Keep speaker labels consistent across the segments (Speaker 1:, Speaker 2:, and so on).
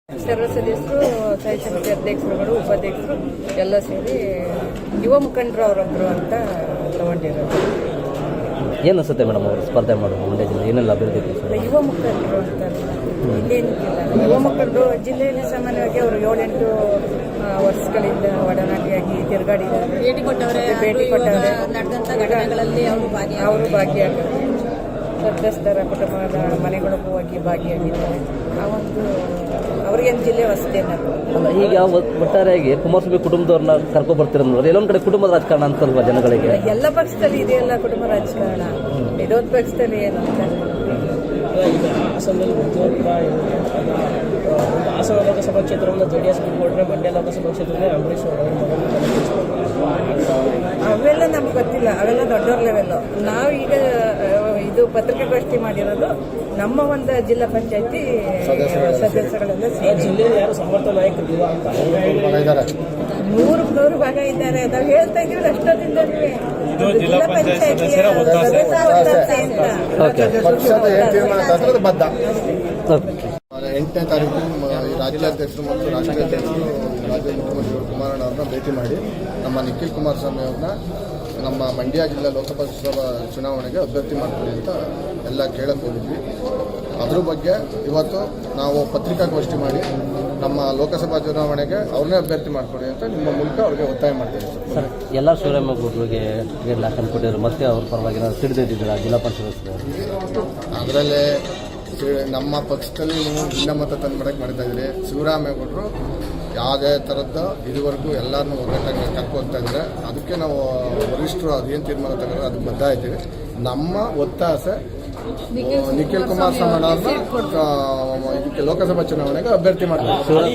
Speaker 1: ಸರ್ವ ಸದಸ್ಯರು, ಸ್ಥಾಯಿ ಸಮಿತಿ ಅಧ್ಯಕ್ಷರುಗಳು, ಉಪಾಧ್ಯಕ್ಷರು ಎಲ್ಲ ಸೇರಿ ಯುವ ಮುಖಂಡರು ಅವರೊಬ್ಬರು ಅಂತ ತಗೊಂಡಿರೋದು.
Speaker 2: ಏನು ಅನಿಸುತ್ತೆ ಮೇಡಮ್ ಅವರು ಸ್ಪರ್ಧೆ ಮಾಡೋದು ಮಂಡ್ಯ ಜಿಲ್ಲೆ ಏನೆಲ್ಲ ಅಭಿವೃದ್ಧಿ ಇದೆ ಸರ್?
Speaker 1: ಯುವ ಮುಖಂಡರು ಅಂತ ಇಲ್ಲೇನಿಲ್ಲ. ಯುವ ಮುಖಂಡರು ಜಿಲ್ಲೆಯಲ್ಲಿ ಸಾಮಾನ್ಯವಾಗಿ ಅವರು 7-8 ವರ್ಷಗಳಿಂದ ಒಡನಾಟಿಯಾಗಿ ತಿರುಗಾಡಿದ್ದಾರೆ, ಭೇಟಿ ಕೊಟ್ಟವರೆ,
Speaker 3: ನಡೆದಂಥ ಘಟನೆಗಳಲ್ಲಿ
Speaker 1: ಅವರು ಭಾಗಿಯಾಗಿದ್ದಾರೆ. ಸಂತ್ರಸ್ತರ ಕುಟುಂಬದ ಮನೆಗಳಿಗೂ ಹೋಗಿ ಭಾಗಿಯಾಗಿದ್ದಾರೆ. ಆ ಒಂದು ಅವ್ರಿಗೇನು ಜಿಲ್ಲೆ ಹೊಸದೇನಲ್ಲ.
Speaker 2: ಈಗ ಒಟ್ಟಾರೆಯಾಗಿ ಕುಮಾರಸ್ವಾಮಿ ಕುಟುಂಬದವ್ರನ್ನ ಕರ್ಕೊಂಡು ಬರ್ತಿರೋದು ನೋಡಿ, ಎಲ್ಲೊಂದು ಕಡೆ ಕುಟುಂಬದ ರಾಜಕಾರಣ ಅಂತಲ್ವಾ ಜನಗಳಿಗೆ?
Speaker 1: ಎಲ್ಲ ಪಕ್ಷದಲ್ಲಿ ಇದೆಯಲ್ಲ ಕುಟುಂಬ ರಾಜಕಾರಣ, ವಿರೋಧ ಪಕ್ಷದಲ್ಲಿ ಏನು ಅಂತ.
Speaker 4: ಹಾಸನದಲ್ಲಿ ಹಾಸನ ಲೋಕಸಭಾ ಕ್ಷೇತ್ರವನ್ನು JDS ಬಿಟ್ಕೊಟ್ರೆ ಮಂಡ್ಯ ಲೋಕಸಭಾ ಕ್ಷೇತ್ರದಲ್ಲಿ ಅಂಬರೀಷ್
Speaker 1: ಅವೆಲ್ಲ ನಮ್ಗೆ ಗೊತ್ತಿಲ್ಲ, ಅವೆಲ್ಲ ದೊಡ್ಡವ್ರ ಲೆವೆಲ್ಲು. ನಾವೀಗ ಇದು ಪತ್ರಿಕಾಗೋಷ್ಠಿ ಮಾಡಿರೋದು ನಮ್ಮ ಒಂದು ಜಿಲ್ಲಾ ಪಂಚಾಯತಿ ಸದಸ್ಯಗಳೆಲ್ಲ
Speaker 4: ಜಿಲ್ಲೆಯಲ್ಲಿ ಯಾರು ಸಮರ್ಥ ನಾಯಕರು ಅಂತ
Speaker 1: 100 ಭಾಗ ಇದ್ದಾರೆ. ನಾವು ಹೇಳ್ತಾ ಇದ್ದೀವಿ ಅಷ್ಟೊಂದಿಂದ ಜಿಲ್ಲಾ ಪಂಚಾಯತಿ
Speaker 5: ಬದ್ಧ. 8ನೇ ತಾರೀಕು ರಾಜ್ಯಾಧ್ಯಕ್ಷರು ಮತ್ತು ರಾಷ್ಟ್ರೀಯ ಅಧ್ಯಕ್ಷರು ರಾಜ್ಯ ಮುಖ್ಯಮಂತ್ರಿಗಳು ಕುಮಾರಣ್ಣ ಅವ್ರನ್ನ ಭೇಟಿ ಮಾಡಿ ನಮ್ಮ ನಿಖಿಲ್ ಕುಮಾರಸ್ವಾಮಿ ಅವ್ರನ್ನ ನಮ್ಮ ಮಂಡ್ಯ ಜಿಲ್ಲಾ ಲೋಕಸಭಾ ಚುನಾವಣೆಗೆ ಅಭ್ಯರ್ಥಿ ಮಾಡ್ತೀವಿ ಅಂತ ಎಲ್ಲ ಕೇಳಕ್ಕೆ ಹೋಗಿದ್ವಿ. ಅದ್ರ ಬಗ್ಗೆ ಇವತ್ತು ನಾವು ಪತ್ರಿಕಾಗೋಷ್ಠಿ ಮಾಡಿ ನಮ್ಮ ಲೋಕಸಭಾ ಚುನಾವಣೆಗೆ ಅವ್ರನ್ನೇ ಅಭ್ಯರ್ಥಿ ಮಾಡ್ಕೊಡಿ ಅಂತ ನಿಮ್ಮ ಮೂಲಕ ಅವ್ರಿಗೆ ಒತ್ತಾಯ ಮಾಡ್ತೀವಿ
Speaker 2: ಸರ್. ಎಲ್ಲ ಶಿವರಾಮೇಗೌಡರಿಗೆ ಟಿಕೆಟ್ ಹಾಕೊಂಡು ಕೊಟ್ಟಿದ್ರು, ಮತ್ತೆ ಅವ್ರ ಪರವಾಗಿ ನಾವು ಸಿಡಿದಿದ್ದೀರಾ ಜಿಲ್ಲಾ ಪಂಚಾಯತ್ ಸದಸ್ಯರು?
Speaker 5: ಅದರಲ್ಲೇ ನಮ್ಮ ಪಕ್ಷದಲ್ಲಿ ನೀವು ಭಿನ್ನಮತ ತಂದ್ಬಿಡಕ್ಕೆ ಮಾಡ್ತಾ ಇದ್ದೀರಿ. ಶಿವರಾಮೇಗೌಡರು ಯಾವುದೇ ಥರದ್ದು ಇದುವರೆಗೂ ಎಲ್ಲರನ್ನೂ ಒಗ್ಗಟ್ಟಾಗಿ ಕರ್ಕೊಳ್ತಾ ಇದ್ದಾರೆ. ಅದಕ್ಕೆ ನಾವು ವರಿಷ್ಠರು ಅದೇನು ತೀರ್ಮಾನ ತಗೊಂಡ್ರೆ ಅದಕ್ಕೆ ಬದ್ಧ ಇದ್ದೀವಿ. ನಮ್ಮ ಒತ್ತಾಸೆ ನಿಖಿಲ್ ಕುಮಾರಸ್ವಾಮಿ ಅವ್ರನ್ನ ಇದಕ್ಕೆ ಲೋಕಸಭಾ ಚುನಾವಣೆಗೆ ಅಭ್ಯರ್ಥಿ ಮಾಡ್ತಾರೆ.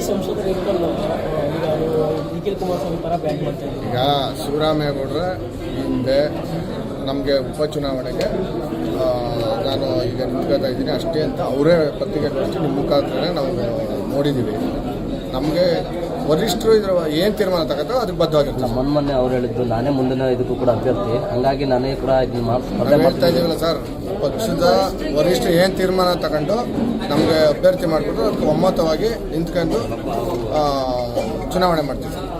Speaker 5: ಈಗ ಶಿವರಾಮೇಗೌಡರ ಹಿಂದೆ ನಮಗೆ ಉಪಚುನಾವಣೆಗೆ ನಾನು ಈಗ ನಿಂತ್ಕೊಳ್ತಾ ಇದ್ದೀನಿ ಅಷ್ಟೇ ಅಂತ ಅವರೇ ಪತ್ರಿಕಾಗೋಷ್ಠಿ ನಿಮ್ಮ ಮುಖಾಂತರ ನಾವು ನೋಡಿದ್ದೀವಿ. ನಮಗೆ ವರಿಷ್ಠರು ಇದ್ರ ಏನು ತೀರ್ಮಾನ ತಗೋತೋ ಅದಕ್ಕೆ ಬದ್ಧವಾಗಿರ್ತಾರೆ.
Speaker 2: ಮೊನ್ನೆ ಅವ್ರು ಹೇಳಿದ್ದು ನಾನೇ ಮುಂದಿನ ಇದಕ್ಕೂ ಕೂಡ ಅಭ್ಯರ್ಥಿ, ಹಾಗಾಗಿ ನಾನೇ ಕೂಡ
Speaker 5: ಹೇಳ್ತಾ ಇದ್ದೀವಲ್ಲ ಸರ್, ಪಕ್ಷದ ವರಿಷ್ಠರು ಏನು ತೀರ್ಮಾನ ತಗೊಂಡು ನಮಗೆ ಅಭ್ಯರ್ಥಿ ಮಾಡಿಬಿಟ್ಟು ಅದಕ್ಕೆ ಒಮ್ಮತವಾಗಿ ನಿಂತ್ಕೊಂಡು ಚುನಾವಣೆ ಮಾಡ್ತೀವಿ ಸರ್.